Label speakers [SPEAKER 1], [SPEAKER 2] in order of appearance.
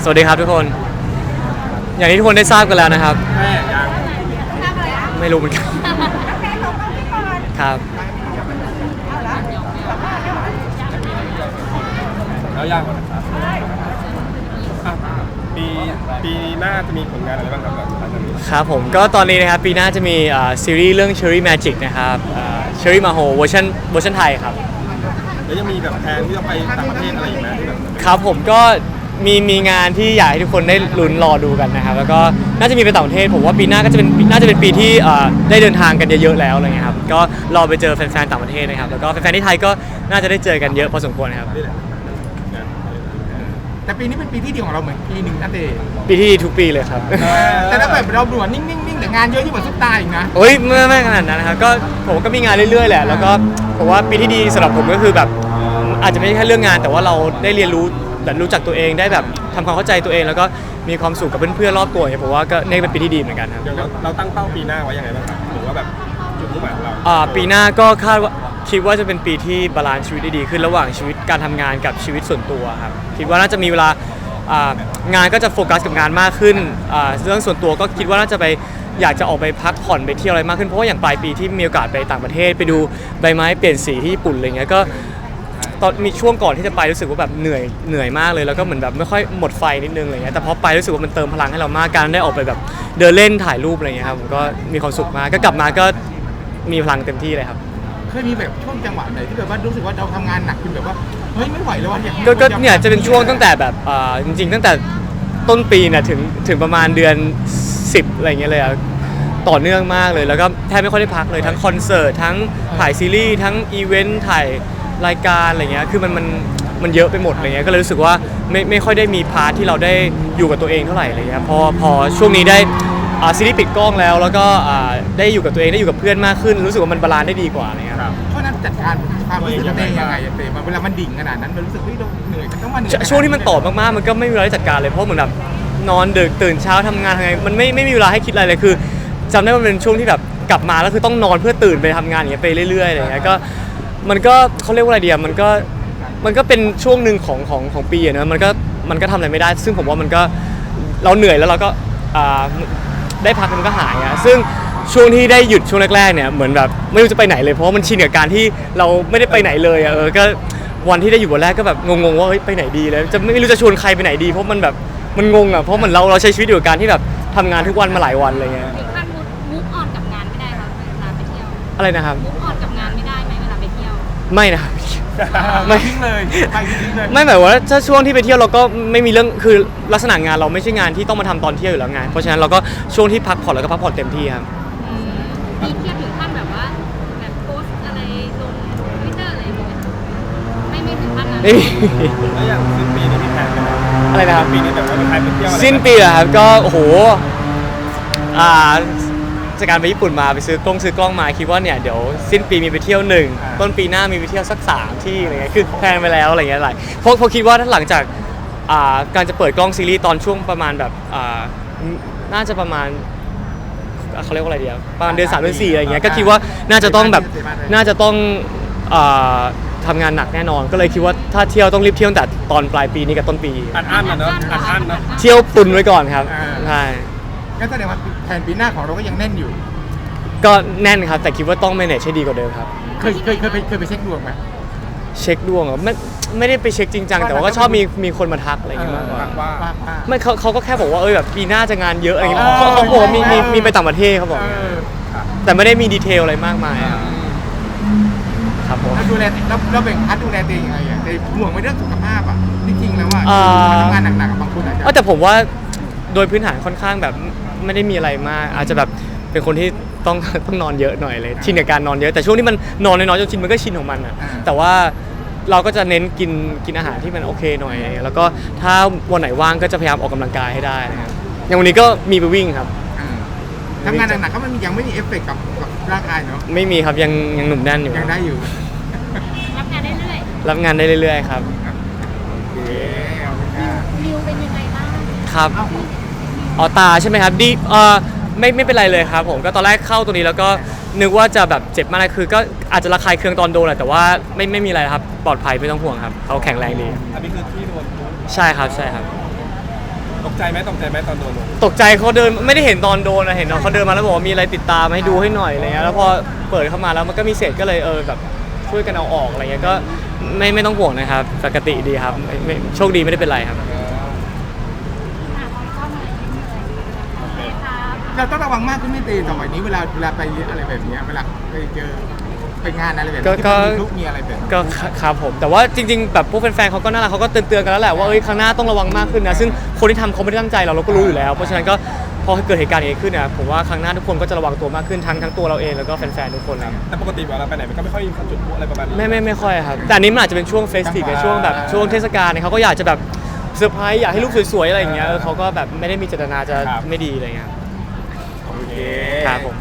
[SPEAKER 1] สวัสดีครับทุกคนอย่างที่ทุกคนได้ทราบกันแล้วนะครับ
[SPEAKER 2] แม่ยัง
[SPEAKER 1] ไม่รู้เหมือนกันครับ
[SPEAKER 2] แล้วยังนะครับปีหน้าจะมีผลงานอะไรบ้างครับหลังจากนี้
[SPEAKER 1] ครับผมก็ตอนนี้นะครับปีหน้าจะมีซีรีส์เรื่อง Cherry Magic นะครับCherry Maho เวอร์ชันไทยครับ
[SPEAKER 2] แล้วยังมีแบบแผนที่จะไปต่างประเทศอะไรอีกไหมที่แบบ
[SPEAKER 1] ครับผมก็มีงานที่อยากให้ทุกคนได้ลุ้นรอดูกันนะครับแล้วก็น่าจะมีไปต่างประเทศผมว่าปีหน้าก็จะเป็นน่าจะเป็นปีที่ได้เดินทางกันเยอะๆแล้วอะไรเงี้ยครับก็รอไปเจอแฟนๆต่างประเทศนะครับแล้วก็แฟนๆที่ไทยก็น่าจะได้เจอกันเยอะพอสมควรครับ
[SPEAKER 3] แต่ปีนี้เป็นปีที่ดีของเราเหมือนปีหนึ่งนั่นเอง
[SPEAKER 1] ปีที่ดีทุกปีเลยครับ
[SPEAKER 3] แต่ถ้าแบบเราดูนิ่งๆแต่งานเยอะที่เหมือนซุปตาอีกนะ
[SPEAKER 1] เฮ้ยไม่ขนาดนั้นนะครับก็ผมก็มีงานเรื่อยๆแหละแล้วก็ผมว่าปีที่ดีสำหรับผมก็คือแบบอาจจะไม่ใช่แค่เรื่องงานแต่ว่าเราได้เรียนรู้แบบรู้จักตัวเองได้แบบทำความเข้าใจตัวเองแล้วก็มีความสุขกับเพื่อนๆรอบตัวเนี่ยผมว่าก็นี่เป็นปีที่ดีเหมือนกันครับ
[SPEAKER 2] เดี๋ยวเราตั้งเป้าปีหน้าไว้ยังไงบ้างครับหรือว่าแบบจุดมุ่งหมายของเรา
[SPEAKER 1] ปีหน้าก็คิดว่าจะเป็นปีที่บาลานซ์ชีวิตได้ดีขึ้นระหว่างชีวิตการทำงานกับชีวิตส่วนตัวครับคิดว่าน่าจะมีเวลางานก็จะโฟกัสกับงานมากขึ้นเรื่องส่วนตัวก็คิดว่าน่าจะไปอยากจะออกไปพักผ่อนไปเที่ยวอะไรมากขึ้นเพราะว่าอย่างปลายปีที่มีโอกาสไปต่างประเทศไปดูใบไม้เปลี่ยนสีที่ญี่ปุ่นอะไรเงี้ยก็ตอนมีช่วงก่อนที่จะไปรู้สึกว่าแบบเหนื่อยมากเลยแล้วก็เหมือนแบบไม่ค่อยหมดไฟนิดนึงอะไรเงี้ยแต่พอไปรู้สึกว่ามันเติมพลังให้เรามากการได้ออกไปแบบเดินเล่นถ่ายรูปอะไรเงี้ยครับผมก็มีความสุขมากก็กลับมาก็มีพลังเต็มที่เลยครับ
[SPEAKER 3] เคยมีแบบช่วงจังหวะไหนที่แบบว่ารู้สึกว่าเราทำงานหนักจนแบบว่าเฮ้ยไม่ไหวแล้วว่ะ
[SPEAKER 1] ก็เนี่ยจะเป็นช่วงตั้งแต่แบบจริงๆตั้งแต่ต้นปีเนี่ยถึงประมาณเดือน10อะไรเงี้ยเลยอะต่อเนื่องมากเลยแล้วก็แทบไม่ค่อยได้พักเลยทั้งคอนเสิร์ตทั้งถ่ายซีรีส์ทั้งอีเวนต์ถ่ายรายการอะไรเงี้ยคือมันเยอะไปหมดอะไรเงี้ยก็เลยรู้สึกว่าไม่ค่อยได้มีพาร์ทที่เราได้อยู่กับตัวเองเท่าไหร่อะไรเงี้ยพอช่วงนี้ได้ซีรีส์ปิดกล้องแล้วก็ได้อยู่กับตัวเองได้อยู่กับเพื่อนมากขึ้นรู้สึกว่ามันบาลานซ์ได้ดีกว่าอะไรเงี้ย
[SPEAKER 3] เพราะนั้นจัดการความรู้สึกตัวเองยังไงเต้เวลามันดิ่งขนาดนั้นมันรู้สึกว่าเราเหนื่อยต้องมาเหนื่อย
[SPEAKER 1] ช่วงที่มันต่อมากๆมันก็ไม่มีเวลาจัดการเลยเพราะเหมือนแบบนอนดึกตื่นเช้าทำงานไงมันไม่มีเวลาให้คิดอะไรเลยคือจำได้ว่ามันเป็นช่วงที่แบบกลับมาแล้วคือต้องนอนเพื่อตื่นไปทำงานอย่างเงี้ยไปเรื่อยๆอะไรเงี้ยก็มันก็เขาเรียกว่าอะไรเดียมันก็เป็นช่วงหนึ่งของปีนะมันก็ทำอะไรไม่ได้ซึ่งผมว่ามันก็เราเหนื่อยแล้วเราก็ได้พักมันก็หายอะซึ่งช่วงที่ได้หยุดช่วงแรกๆเนี่ยเหมือนแบบไม่รู้จะไปไหนเลยเพราะว่ามันชินกับการที่เราไม่ได้ไปไหนเลยอะก็วันที่ได้อยู่วันแรกก็แบบงงๆว่าเฮ้ยไปไหนดีแล้วจะไม่รู้จะชวนใครไปไหนดีเพราะมันแบบมันงงอะเพราะเหมือนเราใช้ชีวิตอยู่กับการที่แบบทำงานทุกวันมาหลายวันอะไรเงี้ย
[SPEAKER 4] ถึงขั้นมูฟออนกับงานไม่ได้ครับเวลาไปเที่ยว
[SPEAKER 1] อะไรนะครับ
[SPEAKER 4] มูฟออนกับงานไม่ได้ไหมเวลาไปเที่ยว
[SPEAKER 1] ไม่นะครับ
[SPEAKER 3] ไม่ทิ้งเลยไปทิ้งเลย
[SPEAKER 1] ไม่หมายว่าถ้าช่วงที่ไปเที่ยวเราก็ไม่มีเรื่องคือลักษณะงานเราไม่ใช่งานที่ต้องมาทำตอนเที่ยวอยู่แล้วไงเพราะฉะนั้นเราก็ช่วงที่พักผ่อนเราก็พักผ่อนเต็มที่ครับ
[SPEAKER 4] มีเที่ยวถึงขั้นแบบว่าแบบโพสอะไรลงทวิตเตอร์อะไรอย่างเงี้ยไม่ถึงขั้นนั้น
[SPEAKER 1] ไม่มี
[SPEAKER 2] แล้วอย่างสิ้นปีนี้มีแผนไหม
[SPEAKER 1] อะไรนะครับ
[SPEAKER 2] ปีนี้แบบว่ามีใครไปเที่ยวอะไร
[SPEAKER 1] สิ้นปีเหรอครับก็โอ้โหจากการไปญี่ปุ่นมาไปซื้อกล้องมาคิดว่าเนี่ยเดี๋ยวสิ้นปีมีไปเที่ยว1ต้นปีหน้ามีไปเที่ยวสัก3ที่อะไรเงี้ยคือแพลนไปแล้วอะไรเงี้ยหลายเพราะคิดว่าถ้าหลังจากการจะเปิดกล้องซีรีส์ตอนช่วงประมาณแบบน่าจะประมาณเขาเรียกว่าอะไรดีประมาณเดือน3เดือน4อะไรเงี้ยก็คิดว่าน่าจะต้องทำงานหนักแน่นอนก็เลยคิดว่าถ้าเที่ยวต้องรีบเที่ยวแต่ตอนปลายปีนี้กับต้นปี
[SPEAKER 2] อัดนะเนาะอัดนะ
[SPEAKER 1] เที่ยวตุนไว้ก่อนครับใช่
[SPEAKER 3] งั้นแสดงว่าแผนปีหน้าของเราก็ยังแน่นอยู่
[SPEAKER 1] ก็แน่นครับแต่คิดว่าต้อง manage ให้ดีกว่าเดิมครับ
[SPEAKER 3] เคยไปเช็คดวงไหม
[SPEAKER 1] เช็คดวงเหรอไม่ได้ไปเช็คจริงจังแต่ว่าก็ชอบมีคนมาทักอะไรอย่างเงี้ยมากกว่าไม่เขาก็แค่บอกว่าแบบปีหน้าจะงานเยอะอะไรอย่างเงี้ยเขาบอกว่ามีไปต่างประเทศเขาบอกแต่ไม่ได้มีดีเทลอะไรมากมายครับผม
[SPEAKER 3] ดูแลเราแบ่งพาร์ทดูแลตัวเองยังไงอ่ะในห่วงในเรื่องสุขภาพอ่ะจริงๆแล้วว่าทำงานหนักๆกับบางคนอาจจะ
[SPEAKER 1] แต่ผมว่าโดยพื้นฐานค่อนข้างแบบไม่ได้มีอะไรมากอาจจะแบบเป็นคนที่ต้องนอนเยอะหน่อยเลยชินกับการนอนเยอะแต่ช่วงที่มันนอนน้อยๆจนชินมันก็ชินของมันอ่ะแต่ว่าเราก็จะเน้นกินอาหารที่มันโอเคหน่อยแล้วก็ถ้าวันไหนว่างก็จะพยายามออกกำลังกายให้ได้นะครับอย่างวันนี้ก็มีไปวิ่งครับ
[SPEAKER 3] ทำงานหนักๆก็มันยังไม่มีเอฟเฟกต์กับร่างกายเนาะ
[SPEAKER 1] ไม่มีครับยังหนุ่มแน่นอยู่
[SPEAKER 3] ยังได้อยู่
[SPEAKER 4] รับงานได้เรื่อย
[SPEAKER 1] รับงานได้เรื่อยๆครับ
[SPEAKER 4] มิวเป็นยังไงบ้าง
[SPEAKER 1] ครับตาใช่ไหมครับดีไม่เป็นไรเลยครับผมก็ตอนแรกเข้าตัวนี้แล้วก็นึกว่าจะแบบเจ็บมากคือก็อาจจะระคายเคืองตอนโดนแหละแต่ว่าไม่มีอะไรครับปลอดภัยไม่ต้องห่วงครับเขาแข็งแรงดี
[SPEAKER 2] อันนี้คือที่โดน
[SPEAKER 1] ใช่ครับ
[SPEAKER 2] ตกใจไหมตอนโดนลง
[SPEAKER 1] ตกใจเขาเดินไม่ได้เห็นตอนโดนนะเห็นน้องเขาเดินมาแล้วบอกว่ามีอะไรติดตามให้ดูให้หน่อยอะไรเงี้ยแล้วพอเปิดเข้ามาแล้วมันก็มีเศษก็เลยแบบช่วยกันเอาออกอะไรเงี้ยก็ไม่ต้องห่วงนะครับปกติดีครับไม่โชคดีไม่ได้เป็นไรครับ
[SPEAKER 3] เราต้องระวังมากขึ้นไม่ตีสมัยนี้เวลาไปอะไรแบบเนี้ยเวลาไปเจอไปงานอะไรแบบนี้ที่มันมีลูกมีอะไรแบบนี้
[SPEAKER 1] ก็ครับผมแต่ว่าจริงๆแบบพวกแฟนๆเขาก็น่ารักเขาก็เตือนกันแล้วแหละว่าครั้งหน้าต้องระวังมากขึ้นนะซึ่งคนที่ทำเขาไม่ได้ตั้งใจเราก็รู้อยู่แล้วเพราะฉะนั้นก็พอเกิดเหตุการณ์อย่างนี้ขึ้นเนี่ยผมว่าครั้งหน้าทุกคนก็จะระวังตัวมากขึ้นทั้งตัวเราเองแล้วก็แฟนๆทุกคนนะ
[SPEAKER 2] แต่ปกติเวลาไปไหนมันก็ไม่ค่อยมีจุดพลุอะไรประมาณนี้
[SPEAKER 1] ไม่ค่อยครับแต่อันนี้มันอาจจะเป็นช่วงเฟสติฟช่วงแบบช่วงเทศกาลเนี่ยเขาก็อยากจะแบบเซอร์ไพรส์อยากให้รูปสวยๆอะไรอย่างเงี้ยเขาก็แบบไม่ได้มีเจตนาจะไม่ดีอะไรเงี้ย
[SPEAKER 2] โอเค
[SPEAKER 1] ครับผม